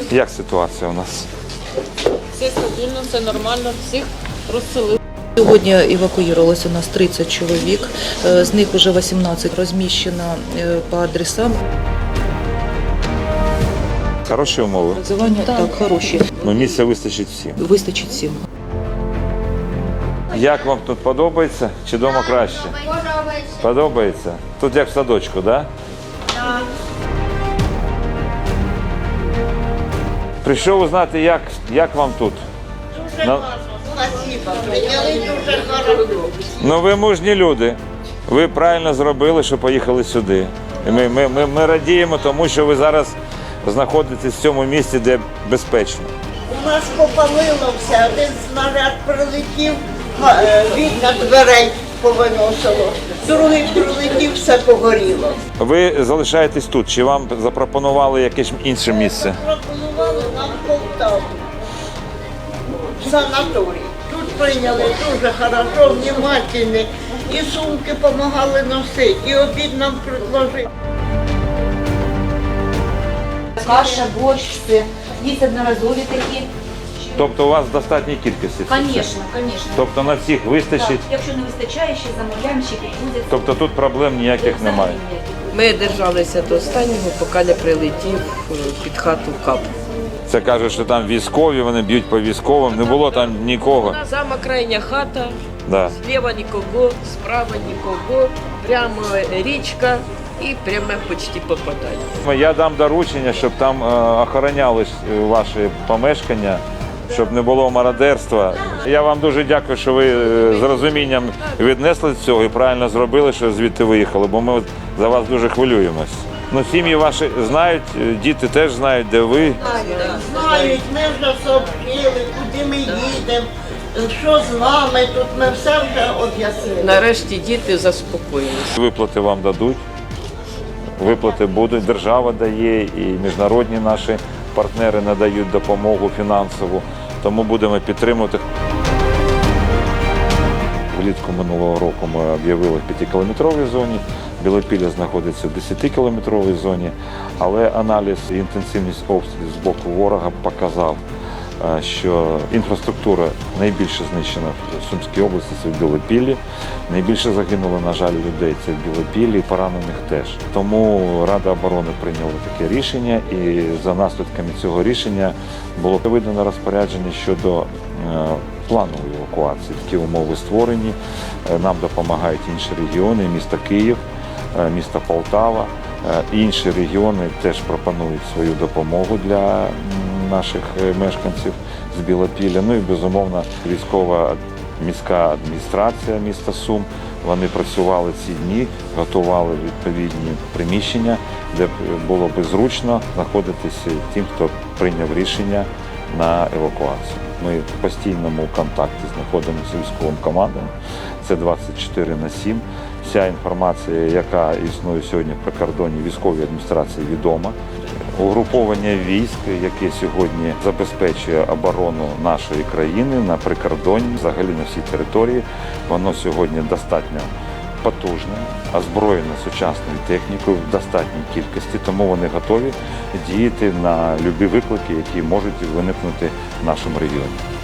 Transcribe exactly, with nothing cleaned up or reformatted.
Як ситуація у нас? Все стабільно, все нормально, всіх розселили. Сьогодні евакуювалося у нас тридцять чоловік, з них вже вісімнадцять розміщено по адресам. Хороші умови? Проживання так, хороші. Ну, місця вистачить всім. Вистачить всім. Як вам тут подобається? Чи вдома краще? Подобається. Подобається? Тут як в садочку, так? Так. Прийшов узнати, як, як вам тут? Дуже На- класно. Спасибо. Прийняли дуже хорошо. Ну ви мужні люди. Ви правильно зробили, що поїхали сюди. І ми, ми, ми, ми радіємо тому, що ви зараз знаходитесь в цьому місці, де безпечно. У нас попалило все. Один снаряд прилетів, га- е, вікна дверей повиносило. Другий прилетів, все погоріло. Ви залишаєтесь тут, чи вам запропонували якесь інше місце? Пропонували нам Полтаву. Санаторій. Тут прийняли дуже хорошо, внимательні. І сумки допомагали носити, і обід нам предложили. Каша, борщ, все. Есть одноразові такі. Тобто у вас в достатній кількості? це все? Звісно, звісно. Тобто на всіх вистачить? Якщо не вистачає, ще замовляємо, ще підвозять. Тобто тут проблем ніяких немає? Ми держалися до останнього, поки не прилетів е, під хату кап. Це кажуть, що там військові, вони б'ють по військовим, не було там нікого. Сама крайня хата, Да. зліва нікого, справа нікого, прямо річка і пряме почти попадання. Я дам доручення, щоб там е, охороняли е, ваші помешкання, щоб не було мародерства. Я вам дуже дякую, що ви е, з розумінням віднесли цього і правильно зробили, що звідти виїхали, бо ми за вас дуже хвилюємось. Ну, сім'ї ваші знають, е, діти теж знають, де ви. Знають, ми вже сообщили, куди ми їдемо, що з нами тут, ми все вже об'яснили. Нарешті діти заспокоїлися. Виплати вам дадуть, виплати будуть, держава дає і міжнародні наші партнери надають допомогу фінансову, тому будемо підтримувати. Влітку минулого року ми об'явили в п'ятикілометровій зоні, Білопілля знаходиться в десятикілометровій зоні, але аналіз і інтенсивність обстрілів з боку ворога показав, що інфраструктура найбільше знищена в Сумській області, це в Білопіллі. Найбільше загинуло, на жаль, людей це в Білопіллі, і поранених теж. Тому Рада оборони прийняла таке рішення, і за наслідками цього рішення було видано розпорядження щодо планової евакуації. Такі умови створені. Нам допомагають інші регіони, місто Київ, місто Полтава. Інші регіони теж пропонують свою допомогу для наших мешканців з Білопілля. Ну і, безумовно, військова міська адміністрація міста Сум. Вони працювали ці дні, готували відповідні приміщення, де було б зручно знаходитися тим, хто прийняв рішення на евакуацію. Ми в постійному контакті знаходимося з військовим командою. Це двадцять чотири на сім. Вся інформація, яка існує сьогодні в прикордонній військовій адміністрації, відома. Угруповання військ, яке сьогодні забезпечує оборону нашої країни на прикордонні, взагалі на всій території, воно сьогодні достатньо потужне, озброєне сучасною технікою в достатній кількості, тому вони готові діяти на любі виклики, які можуть виникнути в нашому регіоні.